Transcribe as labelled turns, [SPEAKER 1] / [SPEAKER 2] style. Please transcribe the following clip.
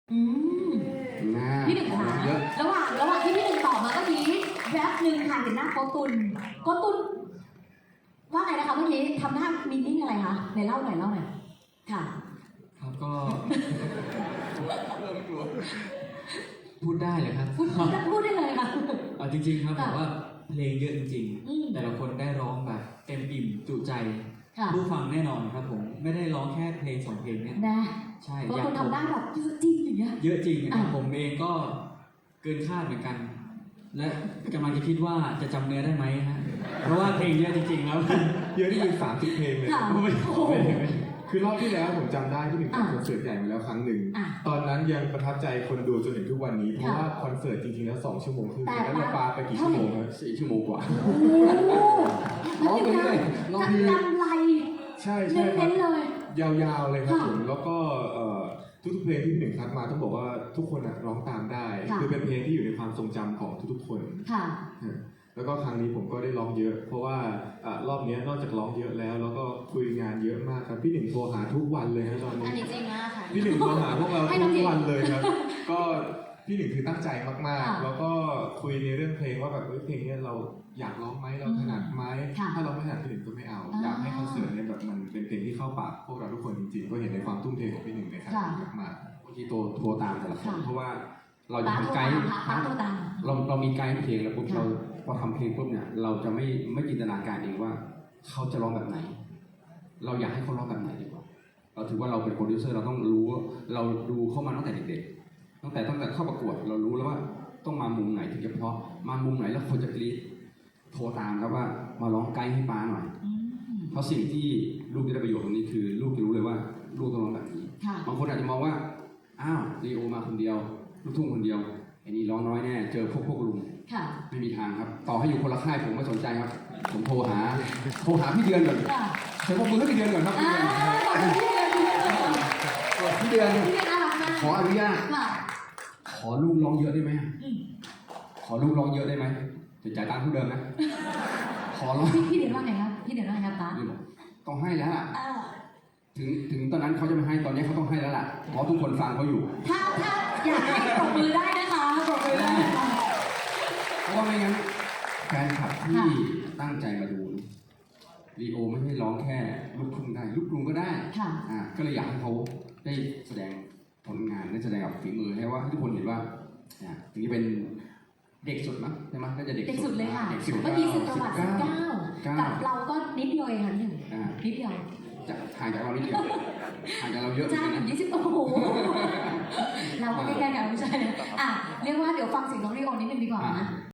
[SPEAKER 1] อืมพี่หนึ่งคะระหว่างที่พี่หนึ่งตอบมาเมื่อกี้แวบหนึ่งค่ะเห็นหน้าโกตุนว่าไงนะคะเมื่อกี้ทำหน้ามีนิ่งอะไรคะไหนเล่าหน่อยค่ะ
[SPEAKER 2] ครับก็พูดได้เลยครับ
[SPEAKER 1] พูดได้เลยค่ะ
[SPEAKER 2] จริงๆครับแบบว่าเพลงเยอะจริงๆแต่ละคนได้ร้องแบบเต็มอิ่มจุใจผู้ฟังแน่นอนครับผมไม่ได้ร้องแค่เพลง2เพลงเนี่ย
[SPEAKER 1] นะ
[SPEAKER 2] ใช่
[SPEAKER 1] บางคนทำได้แบบเยอะจริงอย่างเงี้ย
[SPEAKER 2] เยอะจริงนะครับผมเองก็เกินคาดเหมือนกันและกำลังจะคิดว่าจะจำเนื้อได้ไหมฮะเพราะว่าเพลงเยอะจริงๆแล้ว
[SPEAKER 3] เยอะที่เป็น30 เพลงเลยคือรอบที่แล้วผมจำได้ที่เป็นคอนเสิร์ตใหญ่มาแล้วครั้งหนึ่งตอนนั้นยังประทับใจคนดูจนถึงทุกวันนี้เพราะว่าคอนเสิร์ตจริงๆแล้ว2 ชั่วโมงครึ่งแล้วเราปาไปกี่ชั่วโมงครับ4 ชั่วโมงกว่า
[SPEAKER 1] ร้องไปเรื่อยร้องกำไร
[SPEAKER 3] ใช่ครับยาวๆเลยครับผมแล้วก็ทุกเพลงที่หนึ่งคัดมาต้องบอกว่าทุกคนร้องตามได้คือเป็นเพลงที่อยู่ในความทรงจำของทุกๆคนแล้วก็ครั้งนี้ผมก็ได้ร้องเยอะ เพราะว่ารอบนี้นอกจากร้องเยอะแล้วก็คุยงานเยอะมากครับพี่หนึ่งโทรหาทุกวันเลยครับตอนนี้
[SPEAKER 1] อันนี้จริงมากค่ะ
[SPEAKER 3] พี่หนึ่งโทรหาพวกเราทุกวันเลยครับก็พี่หนึ่งคือตั้งใจมากๆแล้วก็คุยในเรื่องเพลงว่าแบบเพลงนี้เราอยากร้องไหมเราถนัดไหมถ้าเราไม่ถนัดพี่หนึ่งก็ไม่เอาอยากให้คอนเสิร์ตเนี่ยแบบมันเป็นเพลงที่เข้าปากพวกเราทุกคนจริงๆก็เห็นในความทุ่มเทของพี่หนึ่งในครั้งนี้มาก
[SPEAKER 4] เมื่อกี้โทรตามแต่ละคนเพราะว่าเราจะทำไกด์เรามีไกด์เพลงแล้วปุ๊บเราพอทำเพลงปุ๊บเนี่ยเราจะไม่จินตนาการเองว่าเขาจะร้องแบบไหนเราอยากให้เขาร้องแบบไหนดีกว่าเราถือว่าเราเป็นโปรดิวเซอร์เราต้องรู้เราดูเข้ามาตั้งแต่เด็กๆตั้งแต่เข้าประกวดเรารู้แล้วว่าต้องมามุมไหนถึงจะเพราะมามุมไหนแล้วคนจะกรี๊ดโทรตามครับว่ามาร้องไกด์ให้ป้าหน่อยเพราะสิ่งที่ลูกจะได้ประโยชน์ตรงนี้คือลูกจะรู้เลยว่าลูกต้องร้องแบบนี้บางคนอาจจะมองว่าอ้าวลีโอมาคนเดียวลูกทุ่งคนเดียวไอ้นี่ร้องน้อยแน่เจอพวกลุงไม่มีทางครับต่อให้อยู่คนละค่ายผมไม่สนใจครับผมโทรหาพี่เดือนก่อนเชิญพวกมือให้พี่เดือนก่อนครับพี่เดือนขออนุญาตขอลูกร้องเยอะได้ไหมขอลูกร้องเยอะได้ไหมจะจ่ายตังค์เท่าเดิมนะขอร้อง
[SPEAKER 1] พี่เดือนว่าไงครับพี่เดือนว่าไงครับป้า
[SPEAKER 4] ต้องให้แล้วล่ะถึงตอนนั้นเขาจะไม่ให้ตอนนี้เขาต้องให้แล้วล่ะเพราะทุกคนฟังเขาอยู่
[SPEAKER 1] ถ้าอยากให้ปรบมือได้นะคะปรบมือได้
[SPEAKER 4] เพราะว่าไม่งั้นแฟนคลับที่ตั้งใจมาดูลีโอไม่ใช่ร้องแค่ลูกทุ่งได้ลูกกรุงก็ได้ก็เลยอยากให้เขาได้แสดงผลงานได้แสดงกับฝีมือให้ว่าทุกคนเห็นว่าถึงจะเป็นเด็กสุดมั้งใช่ไหมน่าจะเด็ก
[SPEAKER 1] สุดเลยค่ะเมื่อกี้สุดประวัติ19กับเราก็นิดเดียวเองค่ะนิดเดียว
[SPEAKER 4] ห่างจากเรานิดเดียวห่างจากเราเยอะ
[SPEAKER 1] ใช่20โอ้โหเราก็ใกล้ๆกันไม่ใช่เรียกว่าเดี๋ยวฟังเสียงน้องลีโอนิดนึงดีกว่านะ